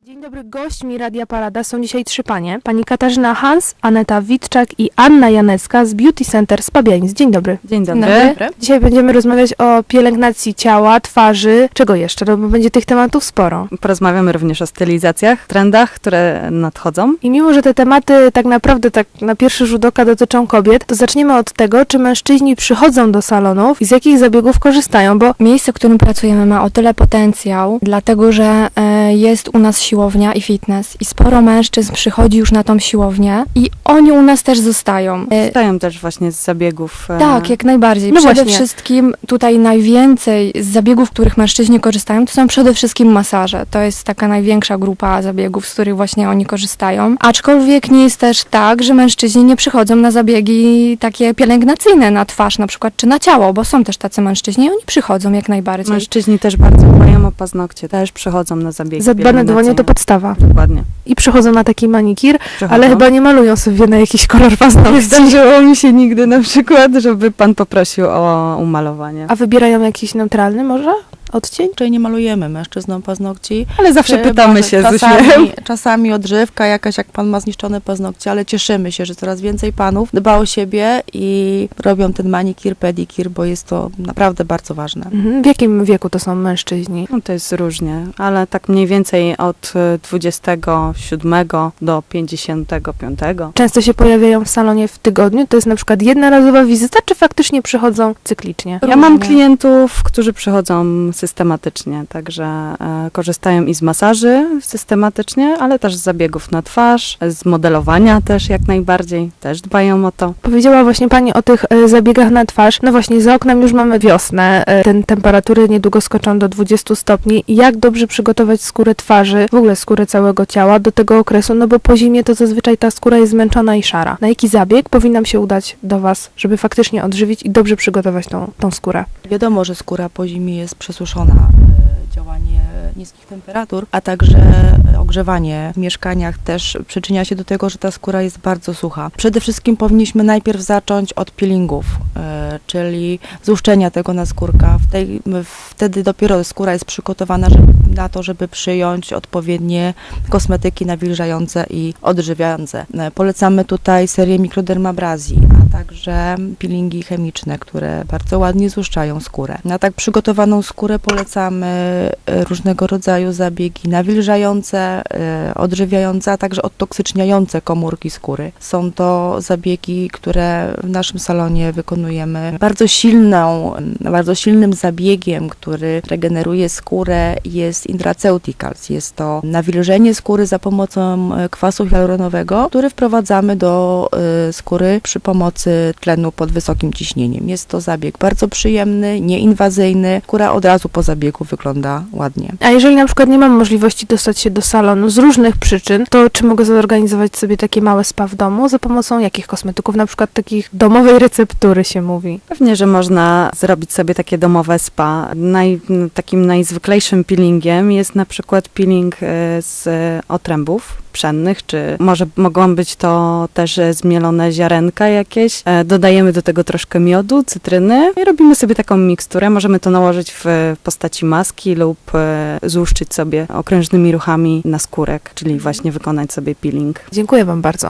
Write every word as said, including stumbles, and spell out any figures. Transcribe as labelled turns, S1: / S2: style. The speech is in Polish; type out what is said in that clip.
S1: Dzień dobry, gośćmi Radia Parada są dzisiaj trzy panie. Pani Katarzyna Hans, Aneta Witczak i Anna Janecka z Beauty Center Spabianic. Dzień dobry.
S2: Dzień dobry.
S1: Dzień dobry. Dzisiaj będziemy rozmawiać o pielęgnacji ciała, twarzy, czego jeszcze, no bo będzie tych tematów sporo.
S2: Porozmawiamy również o stylizacjach, trendach, które nadchodzą.
S1: I mimo, że te tematy tak naprawdę tak na pierwszy rzut oka dotyczą kobiet, to zaczniemy od tego, czy mężczyźni przychodzą do salonów i z jakich zabiegów korzystają, bo
S3: Miejsce, w którym pracujemy, ma o tyle potencjał, dlatego że e, jest u nas siłownia i fitness i sporo mężczyzn przychodzi już na tą siłownię i oni u nas też zostają. E,
S2: Stają też właśnie z zabiegów. e,
S3: tak, jak najbardziej.
S1: No
S3: przede
S1: właśnie.
S3: wszystkim tutaj najwięcej z zabiegów, których mężczyźni korzystają, to są przede wszystkim masaże. To jest taka największa grupa zabiegów, z których właśnie oni korzystają. Aczkolwiek nie jest też tak, że mężczyźni nie przychodzą na zabiegi takie pielęgnacyjne na twarz na przykład, czy na ciało, bo są też tacy mężczyźni i oni przychodzą jak najbardziej.
S2: Mężczyźni też bardzo dbają o paznokcie, też przychodzą na zabiegi
S1: zadbane dłonie to
S2: pielęgnacyjne.
S1: podstawa.
S2: Dokładnie.
S1: I przychodzą na taki manikir,
S2: Przychodzą.
S1: ale chyba nie malują sobie na jakiś kolor
S2: Nie
S1: paznokci.
S2: zdarzyło mi się nigdy na przykład, żeby pan poprosił o umalowanie.
S1: A wybierają jakiś neutralny może odcień?
S4: Raczej nie malujemy mężczyznom paznokci.
S2: Ale zawsze
S4: Chyba,
S2: pytamy
S4: że
S2: się z
S4: czasami,
S2: uśmiechem.
S4: czasami odżywka jakaś, jak pan ma zniszczone paznokcie, ale cieszymy się, że coraz więcej panów dba o siebie i robią ten manikir, pedikir, bo jest to naprawdę bardzo ważne.
S1: Mhm. W jakim wieku to są mężczyźni?
S2: No to jest różnie, ale tak mniej więcej od e, dwudziestego siódmego do pięćdziesiątego piątego.
S1: Często się pojawiają w salonie w tygodniu? To jest na przykład jednorazowa wizyta, czy faktycznie przychodzą cyklicznie?
S2: Ja mam
S3: Różnie.
S2: klientów, którzy przychodzą systematycznie, także e, korzystają i z masaży systematycznie, ale też z zabiegów na twarz, z modelowania też jak najbardziej, też dbają o to.
S1: Powiedziała właśnie Pani o tych e, zabiegach na twarz. No właśnie, za oknem już mamy wiosnę. E, ten temperatury niedługo skoczą do dwudziestu stopni. Jak dobrze przygotować skórę twarzy, w ogóle skórę całego ciała do tego okresu? No bo po zimie to zazwyczaj ta skóra jest zmęczona i szara. Na jaki zabieg powinnam się udać do Was, żeby faktycznie odżywić i dobrze przygotować tą, tą skórę?
S4: Wiadomo, że skóra po zimie jest przesuszona. e, Działanie niskich temperatur, a także ogrzewanie w mieszkaniach też przyczynia się do tego, że ta skóra jest bardzo sucha. Przede wszystkim powinniśmy najpierw zacząć od peelingów, e, czyli złuszczenia tego naskórka. W tej, wtedy dopiero skóra jest przygotowana żeby, na to, żeby przyjąć odpowiednie kosmetyki nawilżające i odżywiające. E, Polecamy tutaj serię mikrodermabrazji, a także peelingi chemiczne, które bardzo ładnie złuszczają skórę. Na tak przygotowaną skórę polecamy e, różnego rodzaju zabiegi nawilżające, e, odżywiające, a także odtoksyczniające komórki skóry. Są to zabiegi, które w naszym salonie wykonujemy. Bardzo silną, bardzo silnym zabiegiem, który regeneruje skórę, jest intraceuticals. Jest to nawilżenie skóry za pomocą e, kwasu hialuronowego, który wprowadzamy do e, skóry przy pomocy tlenu pod wysokim ciśnieniem. Jest to zabieg bardzo przyjemny, nieinwazyjny. Skóra od razu po zabiegu wygląda ładnie.
S1: A jeżeli na przykład nie mam możliwości dostać się do salonu z różnych przyczyn, to czy mogę zorganizować sobie takie małe spa w domu za pomocą jakich kosmetyków? Na przykład takich domowej receptury się mówi.
S2: Pewnie, że można zrobić sobie takie domowe spa. Naj, takim najzwyklejszym peelingiem jest na przykład peeling e, z otrębów pszennych, czy może mogą być to też e, zmielone ziarenka jakieś. E, Dodajemy do tego troszkę miodu, cytryny i robimy sobie taką miksturę. Możemy to nałożyć w postaci maski lub e, złuszczyć sobie okrężnymi ruchami na skórek, czyli właśnie wykonać sobie peeling.
S1: Dziękuję Wam bardzo.